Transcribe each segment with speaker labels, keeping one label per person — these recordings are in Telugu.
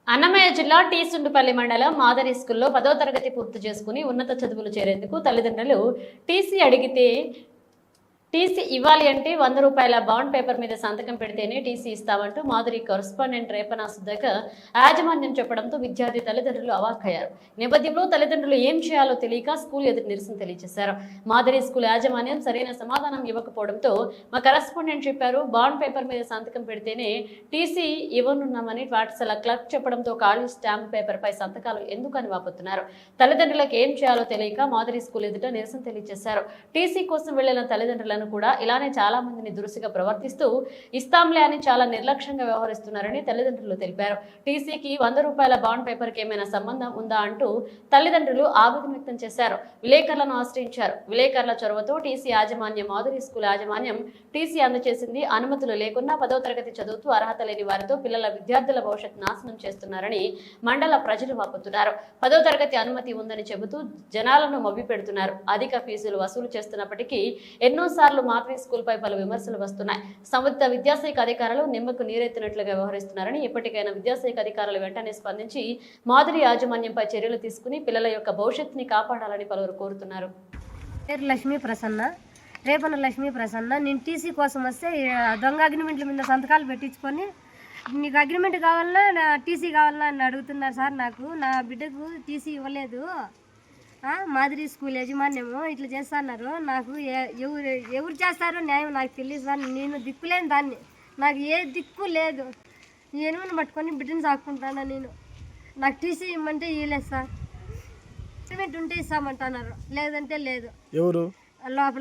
Speaker 1: అన్నమయ్య జిల్లా టీ సుండుపల్లి మండలం మాదరి స్కూల్లో 10వ తరగతి పూర్తి చేసుకుని ఉన్నత చదువులు చేరేందుకు తల్లిదండ్రులు టీసీ అడిగితే టీసీ ఇవ్వాలి అంటే 100 రూపాయల బాండ్ పేపర్ మీద సంతకం పెడితేనే టీసీ ఇస్తామంటూ మాధురి కరస్పాండెంట్ రేపన సుధాకర్ యాజమాన్యం చెప్పడంతో విద్యార్థి తల్లిదండ్రులు అవాక్కయ్యారు. నేపథ్యంలో తల్లిదండ్రులు ఏం చేయాలో తెలియక స్కూల్ ఎదురు నిరసన తెలియజేశారు. మాధురి స్కూల్ యాజమాన్యం సరైన సమాధానం ఇవ్వకపోవడంతో మా కరస్పాండెంట్ చెప్పారు, బాండ్ పేపర్ మీద సంతకం పెడితేనే టీసీ ఇవ్వనున్నామని పాఠశాల క్లర్క్ చెప్పడంతో ఖాళీ స్టాంప్ పేపర్ పై సంతకాలు ఎందుకని వాపోతున్నారు. తల్లిదండ్రులకు ఏం చేయాలో తెలియక మాధురి స్కూల్ ఎదుట నిరసన తెలియజేశారు. టీసీ కోసం వెళ్లిన తల్లిదండ్రులను కూడా ఇలానే చాలా మందిని దురుసుగా ప్రవర్తిస్తూ ఇస్తాంలే అని చాలా నిర్లక్ష్యంగా వ్యవహరిస్తున్నారని తల్లిదండ్రులు తెలిపారు. టీసీకి 100 రూపాయల బాండ్ పేపర్ కి ఏమైనా సంబంధం ఉందా అంటూ తల్లిదండ్రులు ఆవేదన వ్యక్తం చేశారు. విలేకరులను ఆశ్రయించారు. విలేకరుల చొరవతో టీసీ యాజమాన్యం మాధురి స్కూల్ యాజమాన్యం టీసీ అందజేసింది. అనుమతులు లేకున్నా 10వ తరగతి చదువుతూ అర్హత లేని వారితో విద్యార్థుల భవిష్యత్ నాశనం చేస్తున్నారని మండల ప్రజలు వాపోతున్నారు. 10వ తరగతి అనుమతి ఉందని చెబుతూ జనాలను మభ్య పెడుతున్నారు. అధిక ఫీజులు వసూలు చేస్తున్నప్పటికీ ఎన్నోసార్లు మాధురి స్కూల్ పై పలు విమర్శలు వస్తున్నాయి. సంబంధిత విద్యాశాఖ అధికారులు నిమ్మకు నీరెత్తినట్లుగా వ్యవహరిస్తున్నారని, ఎప్పటికైనా విద్యాశాఖ అధికారులు వెంటనే స్పందించి మాధురి యాజమాన్యంపై చర్యలు తీసుకుని పిల్లల యొక్క భవిష్యత్తుని కాపాడాలని పలువురు కోరుతున్నారు.
Speaker 2: లక్ష్మీ ప్రసన్న, రేపన లక్ష్మీ ప్రసన్న. నేను టీసీ కోసం వస్తే దొంగ అగ్రిమెంట్ల మీద సంతకాలు పెట్టించుకొని నీకు అగ్రిమెంట్ కావాలన్నా టీసీ కావాలన్నా అని అడుగుతున్నారు సార్. నాకు నా బిడ్డకు టీసీ ఇవ్వలేదు. మాధురి స్కూల్ యజమాన్యము ఇట్లా చేస్తున్నారు. నాకు ఎవరు చేస్తారో న్యాయం నాకు తెలియదు సార్. నేను దిక్కులేని దాన్ని, నాకు ఏ దిక్కు లేదు. ఎనుమని పట్టుకొని బిడ్డను సాక్కుంటాను నేను. నాకు టీసీ ఇవ్వమంటే ఇవ్వలేదు సార్. అగ్రిమెంట్ ఉంటే ఇస్తామంటున్నారు, లేదంటే లేదు.
Speaker 3: ఎవరు
Speaker 2: లోపల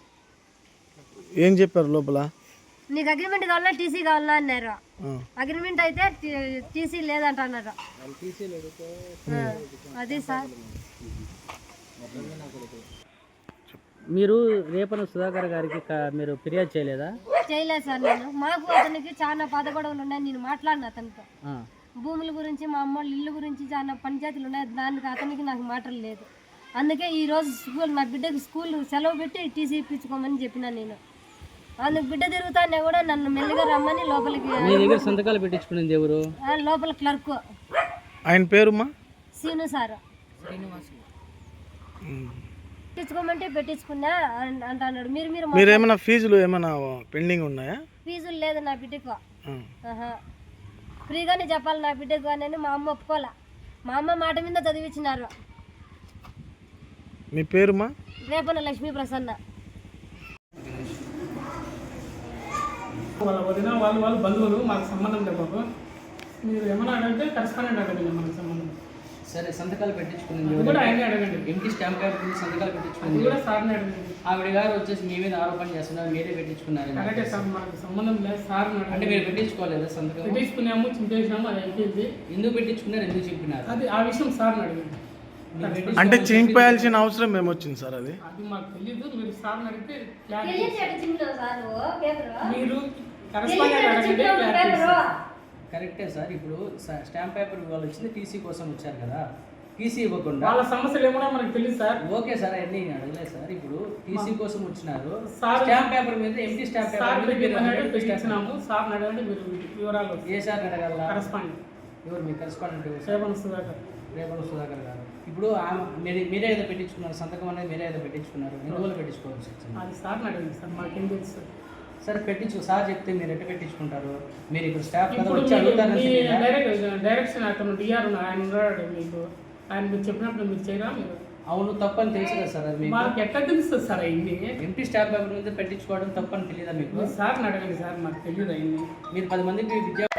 Speaker 3: ఏం చెప్పారు? లోపల
Speaker 2: నీకు అగ్రిమెంట్ కావాలా టీసీ కావాలా అన్నారు. అగ్రిమెంట్ అయితే టీసీ లేదంటున్నారు. అది సార్.
Speaker 4: మీరు రేపన సుధాకర్ గారికి మీరు ఫిర్యాదు చేయలేదా?
Speaker 2: చేయలేదు సార్. నేను మాకు అతనికి చాలా పదగొడవలు ఉన్నాయి. నేను మాట్లాడిన అతనితో భూముల గురించి, మా అమ్మోళ్ళ ఇల్లు గురించి చాలా పంచాయతీలు ఉన్నాయి. దానికి అతనికి నాకు మాటలు లేదు. అందుకే ఈరోజు స్కూల్ నా బిడ్డకి స్కూల్ సెలవు పెట్టి టీసీ ఇప్పించుకోమని చెప్పిన. నేను అందుకు బిడ్డ తిరుగుతానే కూడా నన్ను మెల్లిగా రమ్మని లోపలికి.
Speaker 4: మీ దగ్గర సంతకాలు పెట్టించుకునేది ఎవరు?
Speaker 2: లోపల క్లర్క్.
Speaker 3: ఆయన పేరుమా?
Speaker 2: Scene sir. పెట్టించుకోమంటే పెట్టించుకున్నా అంటున్నాడు.
Speaker 3: మీరేమైనా ఫీజులు ఏమైనా పెండింగ్ ఉన్నాయా?
Speaker 2: ఫీజులు లేదు నా బిడ్డకు. ఫ్రీగానే చెప్పాలి నా బిడ్డకు అని మా అమ్మ ఒప్పుకోలే. మా అమ్మ మాట మీద చదివించినారు.
Speaker 3: మీ పేరుమా?
Speaker 2: రేపన లక్ష్మీ ప్రసన్న.
Speaker 5: వాళ్ళ వదిన వాళ్ళు బంధువులు, మాకు సంబంధం లేదు బాబు. మీరు ఏమన్నా అడిగితే కరెస్పాండెంట్ అడగండి, మనకు సంబంధం.
Speaker 4: సరే, సంతకాలు పెట్టించుకునేది
Speaker 5: కూడా ఆయనే అడగండి.
Speaker 4: ఎంటీ స్టాంప్ పేపర్ మీద సంతకాలు పెట్టించుకునేది
Speaker 5: కూడా సార్ని అడగండి.
Speaker 4: ఆవిడ గారు వచ్చేసి మీ మీద ఆరోపణ చేస్తున్నారు, మీరే పెట్టించుకున్నారు.
Speaker 5: అలాగే సార్, మనకు సంబంధం లేదు సార్.
Speaker 4: అంటే మీరు పెట్టించుకోలేదా సంతకం?
Speaker 5: పెట్టించుకున్నాము, చింపేసినాము, అది అయిపోయింది.
Speaker 4: ఎందుకు పెట్టించుకున్నారు, ఎందుకు చెప్పినారు?
Speaker 5: అది ఆ విషయం సార్ని అడగండి.
Speaker 3: అంటే చింపేయాల్సిన అవసరం ఏమొచ్చింది సార్? అది
Speaker 5: మాకు తెలీదు. మీరు సార్ని అడిగితే మీరు కరెస్పాండెంట్ అడగండి.
Speaker 4: కరెక్టే సార్. ఇప్పుడు స్టాంప్ పేపర్ వాళ్ళు వచ్చింది టీసీ కోసం వచ్చారు కదా, టీసీ ఇవ్వకుండా
Speaker 5: వాళ్ళ సమస్యలు ఏమన్నా మనకు తెలియదు సార్.
Speaker 4: ఓకే సార్, అన్నీ అడగలేదు సార్. ఇప్పుడు టీసీ కోసం వచ్చినారు, స్టాంప్ పేపర్ మీద ఎంటీ స్టాంప్ పేపర్
Speaker 5: పెట్టించినాము. సార్ని అడగండి, మీరు వివరాలు.
Speaker 4: ఏ సార్ అడగాల?
Speaker 5: కరెస్పాండెంట్.
Speaker 4: ఎవరు మీ కరెస్పాండెంట్?
Speaker 5: రేపన సుధాకర్.
Speaker 4: రేపన సుధాకర్ గారు. ఇప్పుడు మీరే ఏదో పెట్టించుకున్నారు, సంతకం అనేది మీరే ఏదో పెట్టించుకున్నారు. ఎన్ని రోజులు పెట్టించుకోవాల్సి వచ్చింది?
Speaker 5: అది సార్ని అడగండి సార్, మాకేం తెలుసు.
Speaker 4: సరే, సార్ చెప్తే మీరు ఎట్లా పెట్టించుకుంటారు? మీరు ఇప్పుడు స్టాఫ్
Speaker 5: డైరెక్షన్ అతను డిఆర్ ఆయన ఉన్నాడు మీకు. ఆయన మీరు చెప్పినప్పుడు మీరు చేయరా? మీరు
Speaker 4: అవును తప్పని తెలుసు కదా సార్. అది
Speaker 5: మాకు ఎట్లా తెలుస్తుంది సార్? అయింది
Speaker 4: ఎంపీ స్టాఫ్ పేపర్ మీద పెట్టించుకోవడం తప్పని తెలియదా మీకు?
Speaker 5: సార్ని అడగండి సార్, మాకు తెలియదు అయింది.
Speaker 4: మీరు 10 మందికి విద్యా